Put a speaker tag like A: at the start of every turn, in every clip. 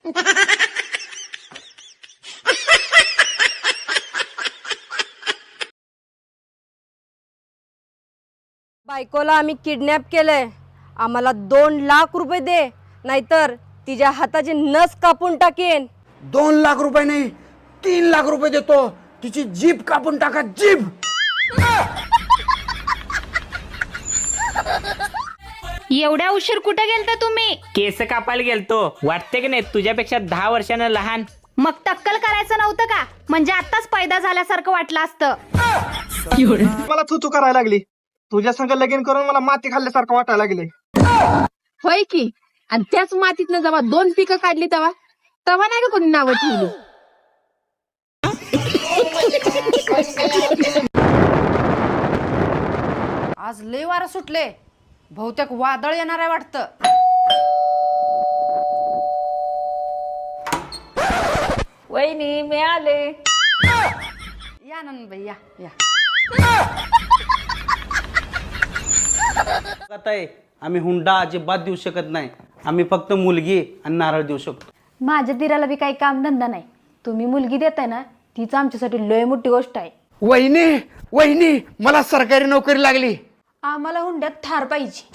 A: बायकोला आम्ही किडनॅप केलंय, आम्हाला 2 लाख रुपये दे, नाहीतर तिच्या हाताची नस कापून टाकेन.
B: 2 लाख रुपये नाही, 3 लाख रुपये देतो. तिची जीभ कापून टाका, जीभ.
C: एवढ्या उशीर कुठे गेलता तुम्ही?
D: केस कापायला गेलतो. वाटते की नाही तुझ्यापेक्षा 10 वर्षानं लहान?
C: मग टक्कल करायचं नव्हतं का? म्हणजे आताच पैदा झाल्यासारखं वाटलं असतं.
E: मला तू करायला लागली. तुझ्या संग लगीन करून मला माती खाल्ल्यासारखं वाटायला लागले.
F: होय की. आणि त्याच मातीतनं जेव्हा 2 पिकं काढली तेव्हा नाही का कोणी नावं ठेवली.
A: आज लय वारं सुटले, बहुतेक वादळ येणार आहे वाटतं.
F: वहिनी मी आले.
A: या नंदबाई या या.
G: आम्ही हुंडा अजिबात देऊ शकत नाही. आम्ही फक्त मुलगी आणि नारळ देऊ शकतो.
C: माझ्या दिराला बी काही काम धंदा नाही. तुम्ही मुलगी देताय ना, तीच आमच्यासाठी लय मोठी गोष्ट आहे.
B: वहिनी वहिनी, मला सरकारी नोकरी लागली.
C: आम्हाला हुंड्यात थार पाहिजे.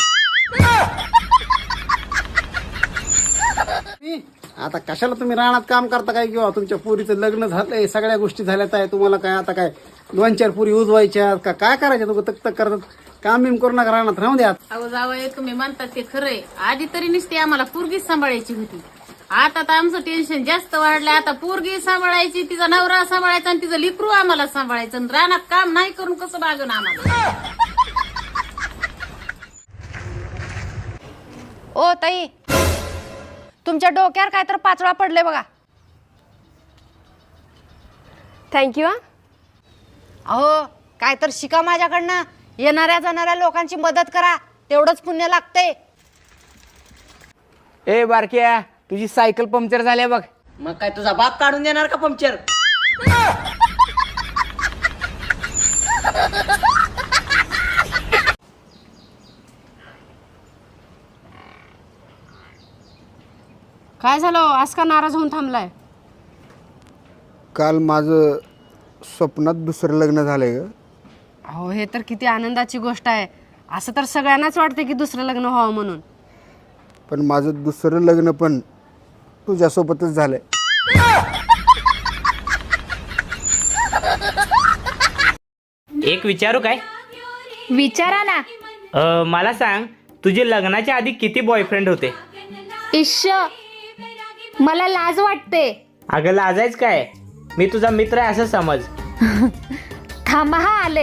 H: आता कशाला तुम्ही रानात काम करता काय, किंवा तुमच्या पुरीचं लग्न झालंय, सगळ्या गोष्टी झाल्यात आहे, तुम्हाला काय आता काय 2-4 पुरी उजवायच्या का काय करायच्या? तुम्ही तक तक करतात. काम बिम करू नका, रानात राहून द्या.
F: अहो जावई, तुम्ही म्हणतात ते खरंय. आधी तरी नुसती आम्हाला पोरगीच सांभाळायची होती. आता तर आमचं टेन्शन जास्त वाढलंय. आता पोरगी सांभाळायची, तिचा नवरा सांभाळायचा आणि तिचं लिकरू आम्हाला सांभाळायचं. आणि रानात काम नाही करून कसं बागन आम्हाला?
A: ओ ताई, तुमच्या डोक्यावर काय तर पाचळा पडले बघा. थँक्यू. अहो काय तर शिका माझ्याकडनं. येणाऱ्या जाणाऱ्या लोकांची मदत करा, तेवढंच पुण्य लागते.
B: ए बारक्या, तुझी सायकल पंक्चर झाली बघ.
D: मग काय तुझा बाप काढून देणार का पंक्चर?
A: काय झालं आज का नाराज होऊन थांबलाय?
B: काल माझं स्वप्नात दुसरं लग्न झालंय ग.
A: अहो हे तर किती आनंदाची गोष्ट आहे. असं तर सगळ्यांनाच वाटते की दुसरं लग्न व्हावं म्हणून.
B: पण माझं दुसरं लग्न पण तुझ्यासोबतच झालंय.
D: एक विचारू काय?
C: विचारा ना.
D: मला सांग, तुझे लग्नाच्या आधी किती बॉयफ्रेंड होते?
C: इश्श, मला लाज वाटते.
D: अगं लाजायच काय, मी तुझा मित्र आहे असं समज.
C: थांबा हा आले.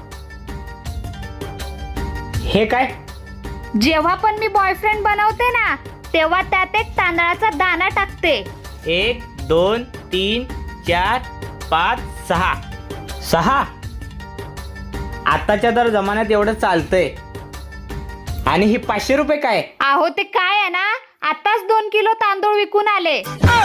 D: हे काय?
C: जेव्हा पण मी बॉयफ्रेंड बनवते ना, तेव्हा त्यात एक तांदळाचा दाणा टाकते.
D: 1 2 3 4 5 6 6. आताच्या तर जमान्यात एवढं चालतंय. आणि ही 500 रुपये काय?
C: अहो ते काय आहे ना, आताच 2 किलो तांदूळ विकून आले.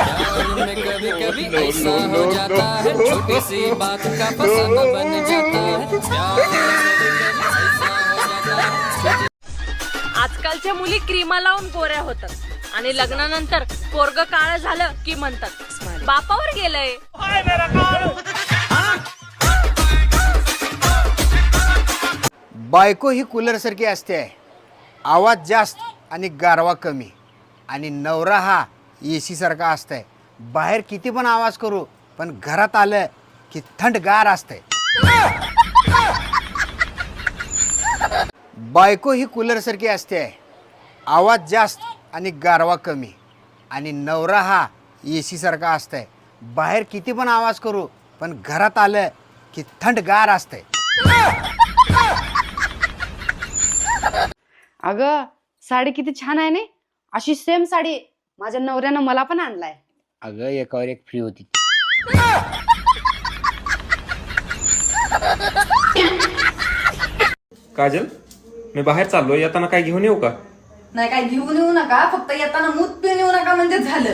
A: आजकालच्या मुली क्रीमा लावून गोऱ्या होतात आणि लग्नानंतर पोरग काळं झालं की म्हणतात बापावर गेलंय.
B: बायको ही कूलर सारखी असते आहे. आवाज जास्त आणि गारवा कमी. आणि नवरा हा AC सारखा असतंय. बाहेर किती पण आवाज करू, पण घरात आलं की थंडगार असतंय. बायको ही कूलर सारखी असते आहे. आवाज जास्त आणि गारवा कमी. आणि नवरा हा AC सारखा असतंय. बाहेर किती पण आवाज करू, पण घरात आलं की थंडगार असतंय.
A: अगं साडी किती छान आहे ना. अशी सेम साडी माझ्या नवऱ्यानं मला पण आणलाय.
B: अगं एकावर एक फ्री होती.
I: काजल, मी बाहेर चाललोय, येताना काय घेऊन येऊ का?
F: नाही काय घेऊन येऊ नका, फक्त येताना मूत पिऊन येऊ नका म्हणजे झालं.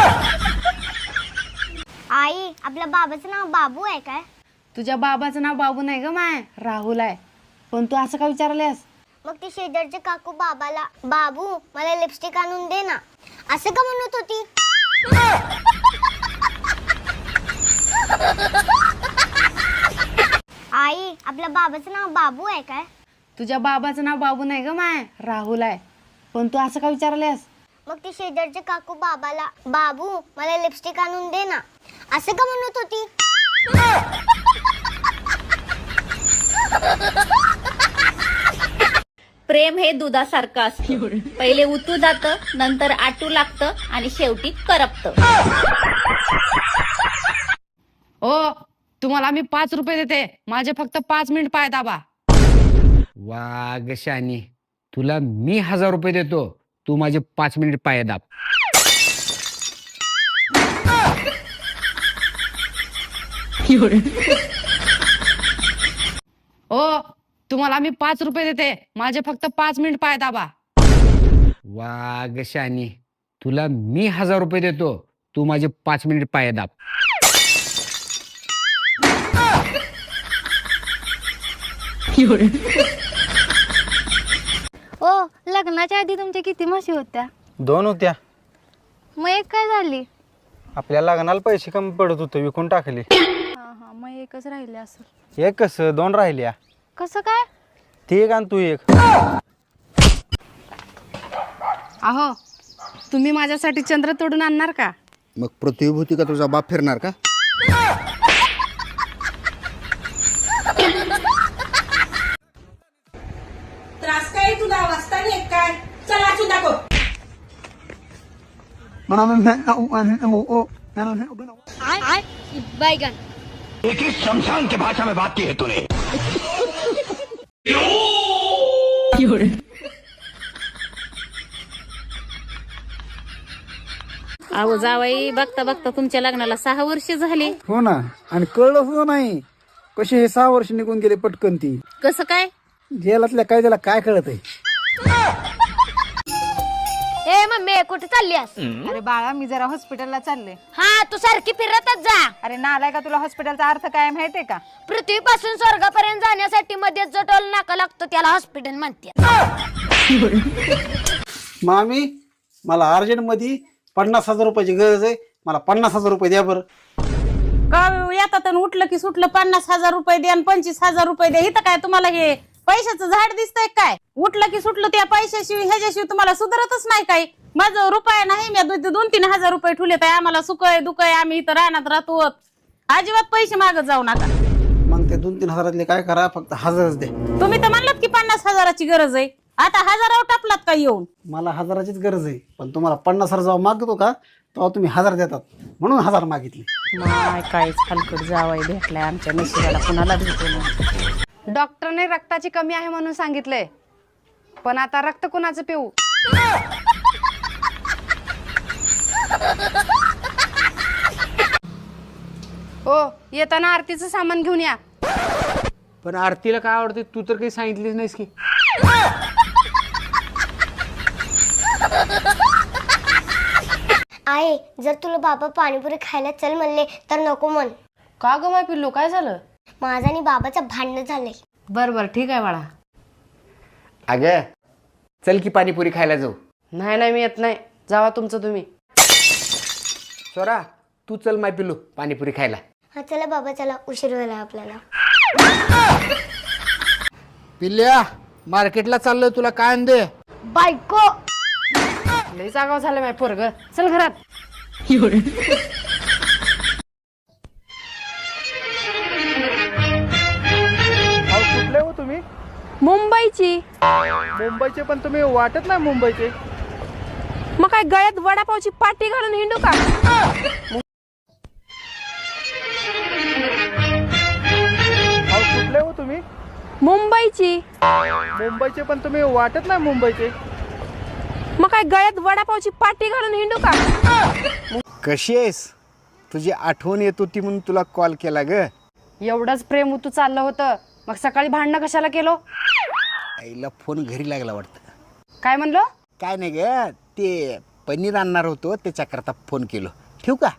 J: आई, आपल्या बाबाचं नाव बाबू आहे काय?
A: तुझ्या बाबाचं नाव बाबू नाही ग माय, राहुल आहे. पण तू असं का विचारलेस?
J: मग ती शेजारची काकू बाबाला, बाबू मला लिपस्टिक आणून दे ना, असं का म्हणत होती? बाबाचं नाव बाबू आहे काय?
A: तुझ्या बाबाचं नाव बाबू नाही ग माय, राहुल आहे. पण तू असं का विचारलेस?
J: मग ती शेजारचे काकू बाबाला बाबू मला लिपस्टिक आणून दे ना असं का म्हणत होती?
C: प्रेम हे दुधासारखं असतं. पहिले उतू जातं, नंतर आटू लागतं आणि शेवटी करपतं.
A: ओ तुम्हाला मी 5 रुपये देते, माझे फक्त 5 मिनिट पाय दाबा.
B: वाघ शानी, तुला मी 1000 रुपये देतो, तू माझे 5 मिनिट पाय दाब.
A: ओ तुम्हाला मी 5 रुपये देते, माझे फक्त 5 मिनिट पाय दाबा.
B: वाघ शानी, तुला मी 1000 रुपये देतो, तू माझे 5 मिनिट पाय दाब.
J: ओ लग्नाच्या आधी तुमच्या किती म्हशी होत्या?
E: 2 होत्या.
J: मग एक काय झाली?
E: आपल्या लग्नाला पैसे कमी पडत होते, विकून टाकले.
J: हा मग एकच राहिले असेल.
E: एक कसं 2 राहिल्या.
J: कसं काय?
E: ती एक आणि तू एक.
A: अहो तुम्ही माझ्यासाठी चंद्र तोडून आणणार का?
B: मग प्रतिभूती का तुझा बाप फिरणार का?
F: त्रास काय तुला वाचता नाही काय? चला अजून दाखव.
J: बैगन.
F: अहो जावाई, बघता बघता तुमच्या लग्नाला 6 वर्ष झाली.
H: हो ना, आणि कळलं सुद्धा नाही कसे हे 6 वर्ष निघून गेले पटकन. ती
F: कसं काय?
H: जेलातल्या काय त्याला काय कळत आहे?
J: ए मम्मी कुठे चाललीस?
A: अरे बाळा, मी जरा हॉस्पिटलला चालले.
J: हा तू सारखी फिरतच जा.
A: अरे नालाय का, तुला हॉस्पिटलचा अर्थ काय माहितीये का?
J: पृथ्वीपासून स्वर्गापर्यंत जाण्यासाठी मध्ये जो टोल नाका लागतो त्याला हॉस्पिटल म्हणते.
H: मामी, मला अर्जंट मध्ये 50,000 रुपयाची गरज आहे, मला 50,000 रुपये द्या बरं.
F: का येतात आणि उठलं की सुटलं 50,000 रुपये द्या आणि 25,000 रुपये द्या. इथं काय तुम्हाला हे पैशाचं झाड दिसतंय काय? उठलं की सुटलं त्या पैशाशिवाय ह्याच्याशिवाय तुम्हाला सुधारतच नाही काही. माझं रुपया नाही, मी 2-3 हजार रुपये ठेवले तर आम्हाला सुखय दुखय, आम्ही इथं रानात राहतो. अजिबात पैसे मागत जाऊ नका.
H: मग ते 2-3 हजारातले काय करा, फक्त 1000च द्या.
F: तुम्ही तर म्हणलात की 50,000ची गरज आहे, आता 1000 टापलात का येऊन?
H: मला 1000चीच गरज आहे, पण तुम्हाला 50,000 जेव्हा मागतो का तेव्हा तुम्ही 1000 देतात, म्हणून 1000 मागितले.
F: माय काहीच हलकट जावाय भेटलाय आमच्या नशिबाला, कुणाला भेटू नये.
A: डॉक्टरने रक्ताची कमी आहे म्हणून सांगितलंय, पण आता रक्त कुणाचं पिऊ? ओ येताना आरतीचं सामान घेऊन या.
B: पण आरतीला काय आवडते तू तर काही सांगितलीच नाहीस की.
J: आई जर तुला बाबा पाणीपुरी खायला चल म्हणले तर नको म्हण.
A: का ग माय पिल्लू, काय झालं?
J: माझा आणि बाबाचं भांडण झालंय.
A: बर बर ठीक आहे बाळा.
B: अगं चल की पाणीपुरी खायला जाऊ.
A: नाही मी येत नाही, जावा तुमचं तुम्ही.
B: स्वरा तू चल माय पिल्लू पाणीपुरी खायला.
J: हा चला बाबा चला, उशीर व्हायला आपल्याला.
B: पिल्ल्या मार्केटला चाललोय, तुला काय आणते?
J: बायको.
A: लई जागाव झालं माय पोरग, चल घरात.
E: कुठले हो तुम्ही?
A: मुंबईची.
E: मुंबईचे? पण तुम्ही वाटत नाही मुंबईचे.
A: मग काय गळ्यात वडापावची पाटी घालून हिंडू का?
E: कुठले हो तुम्ही?
A: मुंबईची.
E: मुंबईचे? पण तुम्ही वाटत नाही मुंबईचे.
A: मग काय गळ्यात वडापावची पाटी घालून हिंडू का?
B: कशी आहेस? तुझी आठवण येत होती म्हणून तुला कॉल केला ग.
A: एवढंच प्रेम उतू चाललं होतं, मग सकाळी भांडणं कशाला केलो?
B: आईला फोन घरी लागला वाटतं.
A: काय म्हणलो?
B: काय नाही ग, ते पनीर आणणार होतो त्याच्याकरता फोन केलो. ठेवू का?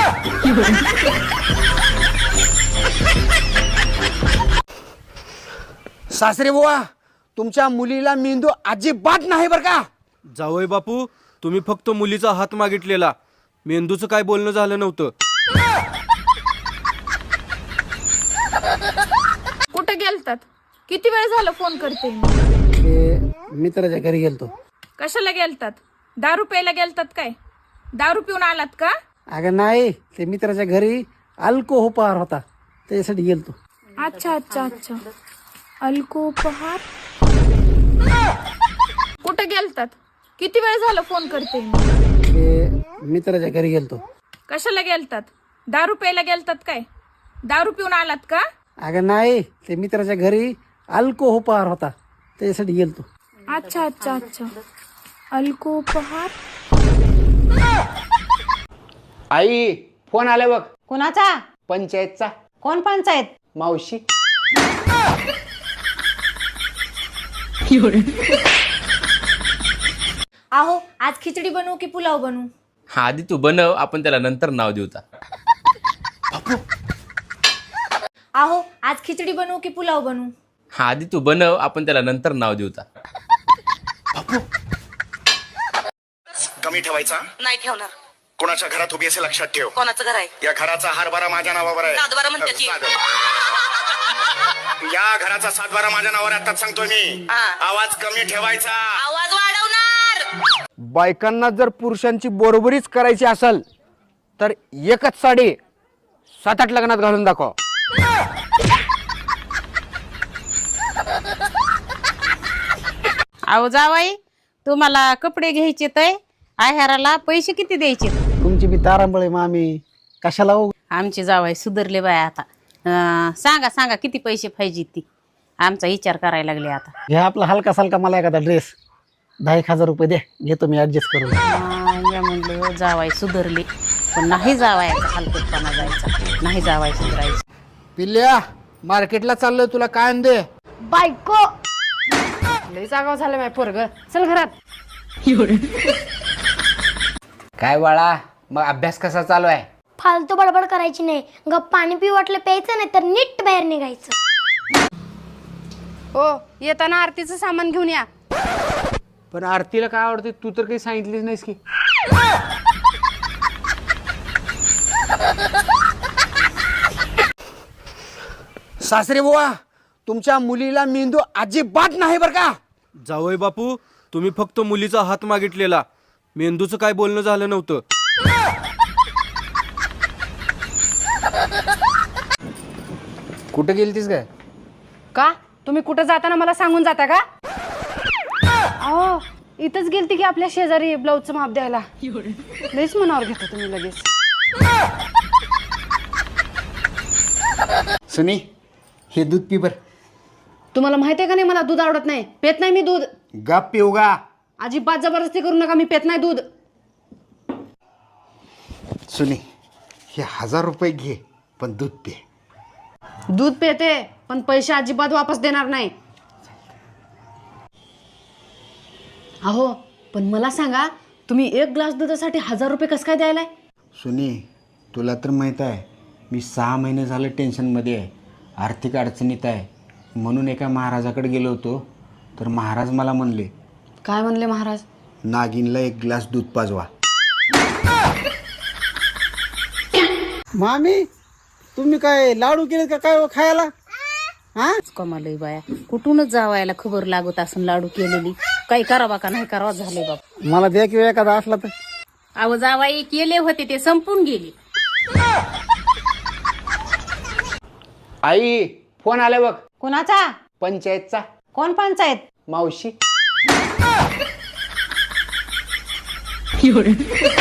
B: सासरे बुवा, तुमच्या मुलीला मेंदू अजिबात नाही बर का?
I: जावई बापू, तुम्ही फक्त मुलीचा हात मागितलेला, मेंदूचं काय बोलणं झालं नव्हतं.
F: कुठं गेलतात? किती वेळ झालं फोन करते?
H: ते मित्राच्या घरी गेलतो.
F: कशाला गेलतात? दारू प्यायला गेलतात काय? दारू पिऊन आलात का?
H: अगं नाही, ते मित्राच्या घरी अल्कोहोपहार होता त्याच्यासाठी गेलतो.
F: अच्छा अच्छा अच्छा, अल्कोपहार. कुठे गेलतात? किती वेळ झालं फोन करते?
H: ते मित्राच्या घरी गेलतो.
F: कशाला गेलतात? दारू प्यायला गेलतात काय? दारू पिऊन आलात का?
H: अगं नाही, ते मित्राच्या घरी अल्कोहोपहार होता त्याच्यासाठी गेलतो.
F: अच्छा अच्छा अच्छा, अल्कोपहार.
B: आई फोन आला बघ.
A: कुणाचा?
B: पंचायतचा.
A: कोण पंचायत?
B: मावशी.
C: अहो आज खिचडी बनवू की पुलाव बनवू?
K: हा आधी तू बनव, आपण त्याला नंतर नाव देऊ.
C: अहो आज खिचडी बनवू की पुलाव बनवू?
K: हा आधी तू बनव, आपण त्याला नंतर नाव देऊ.
L: कमी ठेवायचा
M: नाही ठेवणार.
L: कोणाच्या घरात उभी असे लक्षात ठेव.
M: कोणाचं घर आहे?
L: या घराचा हरभरा माझ्या नावावर आहे.
M: सातबारा म्हणते.
L: या घराचा 7-12 माझ्या नावावर आहे. आताच सांगतोय मी. आवाज कमी ठेवायचा.
M: आवाज वाढवणार.
B: बायकांना जर पुरुषांची बरोबरीच करायची असेल तर एकच साडी 7-8 लग्नात घालून दाखव.
F: अहो जावाई, तुम्हाला कपडे घ्यायचे तर आहाराला पैसे किती द्यायचे?
H: तुमची बी तारांबळे मामी कशाला हो?
F: आमचे जावाई सुधारले बाय आता. सांगा सांगा किती पैसे पाहिजे ती, आमचा विचार करायला लागले आता.
H: घ्या आपला हलका सालका मला एखादा ड्रेस 10,000 रुपये दे, घेतो मी ऍडजस्ट करून.
F: या म्हणलं जावाई सुधारले, पण नाही जावायचा हलकटपणा जायचा, नाही जावाय सुधारायचं.
B: पिल्ल्या मार्केटला चाललोय, तुला काय आण दे?
J: बायको.
A: लई जागाव झालं माझ्या पोरग. चल घरात.
B: काय बाळा, मग अभ्यास कसा चालू आहे?
J: फालतू बडबड करायची नाही. गप्प पाणी पिऊ वाटलं प्यायचं, नाही तर नीट बाहेर निघायचं.
A: हो, येताना आरतीचं सामान घेऊन या.
B: पण आरतीला काय आवडते तू तर काही सांगितलीच नाहीस की. सासरे बुवा, तुमच्या मुलीला मेंदू अजिबात नाही बर का.
I: जावई बापू, तुम्ही फक्त मुलीचा हात मागितलेला, मेंदूचं काय बोलणं झालं नव्हतं.
B: कुठे गेलतीस काय?
A: का तुम्ही कुठं जाताना मला सांगून जाता का? अहो इथंच गेलती की आपल्या शेजारी ब्लाऊजचं माप द्यायला. लईच मनावर घेता तुम्ही लगेच.
B: सुनी, हे दूध पी बर.
A: तुम्हाला माहिती आहे का नाही, मला दूध आवडत नाही, पेत नाही मी दूध.
B: गप पिऊ गा.
A: अजिबात जबरदस्ती करू नका, मी पेत नाही दूध.
B: सुनी, हे 1000 रुपये घे, पण दूध पे.
A: दूध पेते, पण पैसे अजिबात वापस देणार नाही. अहो पण मला सांगा, तुम्ही 1 ग्लास दुधासाठी 1000 रुपये कसं काय द्यायलाय?
B: सुनी, तुला तर माहीत आहे मी 6 महिने झालं टेन्शनमध्ये आहे, आर्थिक अडचणीत आहे. म्हणून एका महाराजाकडे गेलो होतो, तर महाराज मला म्हणले.
A: काय म्हणले महाराज?
B: नागिनला 1 ग्लास दूध पाजवा.
H: मामी तुम्ही काय लाडू केले का काय खायला? हा
F: कमालय बाया, कुठूनच जावायला खबर लागत असून लाडू केलेली. काही करावा का नाही करावा झाले बाप.
H: मला द्या किंवा एखादा असला तर.
F: अहो जावाई केले होते ते संपून गेले.
B: आई फोन आला बघ.
A: कुणाचा?
B: पंचायतचा.
A: कोण पंचायत?
B: मावशी.